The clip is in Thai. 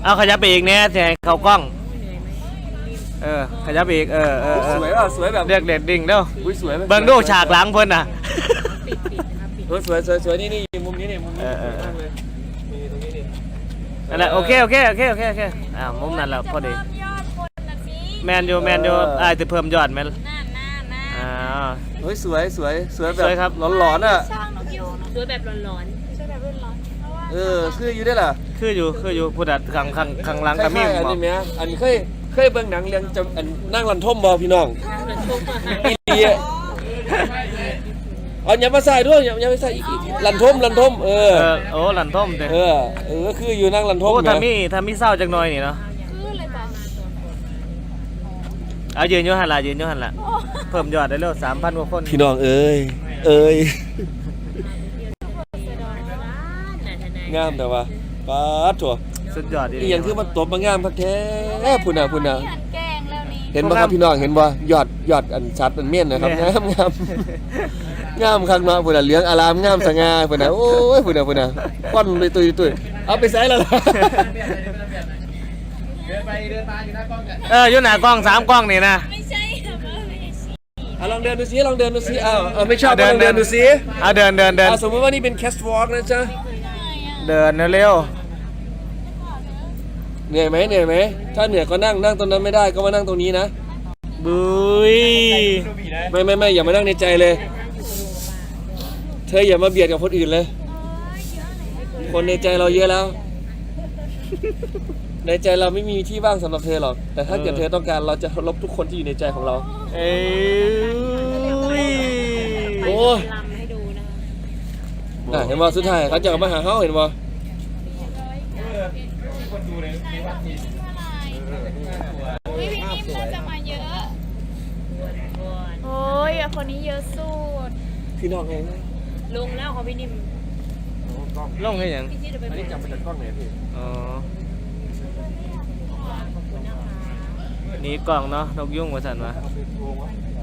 เอาขยับไปอีกเนี่ยจะให้เขากล้องขยับไปอีกสวยอ่ะสวยแบบเรียกเด็ดดิ่งเด้อสวยเบิ่งดูฉากหลังเพิ่นน่ะสวยนี่มุมนี้นี่มุมนี้มากเลยมีตรงนี้นี่นั่นแหละโอเคมุมนั้นแหละพอดีแมนยูจะเพิ่มยอดแมนสวยแบบครับหลอนอ่ะสวยแบบหลอนคืออยู่ได้ล่ะคืออยู่พูดอัดข้างหลังก็มีอันนี้แม่อันเคยเบิ่งหนังเรื่องจะนั่งลันทมบ่พี่น้องอีลีเอาอย่ามาใส่ด้วยอย่าไปใส่อีกลันทมโอ้ลันทมเด้คืออยู่นั่งลันทมถ้ามีเศร้าจักหน่อยนี่เนาะคือเลยป่ะเอายืนอยู่หั่นล่ะเพิ่มยอดได้แล้ว 3,000 กว่าคนพี่น้องเอ้ยงามแต่ว่าป๊าดถั่วสุดยอดอีหยังคือมันตบมางามพักแท้พุ่นน่ะเห็นบ่ครับพี่น้องเห็นบ่ยอดอันชัดอันเมียนนะครับงามคักเนาะพุ่นน่ะเหลืองอารามงามสง่าพุ่นน่ะโอ้ยพุ่นน่ะป้อนเลยตุ้ยเอาไปใส่แล้วล่ะเดินมาอยู่หน้ากล้องอยู่หน้ากล้อง3กล้องนี่นะไม่ใช่ลองเดินดูซิไม่ชอบลองเดินดูซิเดินสมมติว่านี่เป็นแคสต์วอล์กนะจ๊ะเดินเร็วเหนื่อยไหมถ้าเหนื่อยก็นั่งตรงนั้นไม่ได้ก็มานั่งตรงนี้นะบุยไม่อย่ามานั่งในใจเลยเธออย่ามาเบียดกับคนอื่นเลยคนในใจเราเยอะแล้วในใจเราไม่มีที่ว่างสำหรับเธอหรอกแต่ถ้าเกิดเธอต้องการเราจะลบทุกคนที่อยู่ในใจของเราโอ้ยเห็นว่าสุดท้ายเขาจะมาหาเขาเห็นว่าพี่นิ่มน่าจะมาเยอะโอ้ยคนนี้เยอะสุดพี่น้องเองลงแล้วของพี่นิ่มลงให้ยังอันนี้จับมาจากกล้องไหนพี่นี่กล่องเนาะนกยุ่งมาสั่นวะ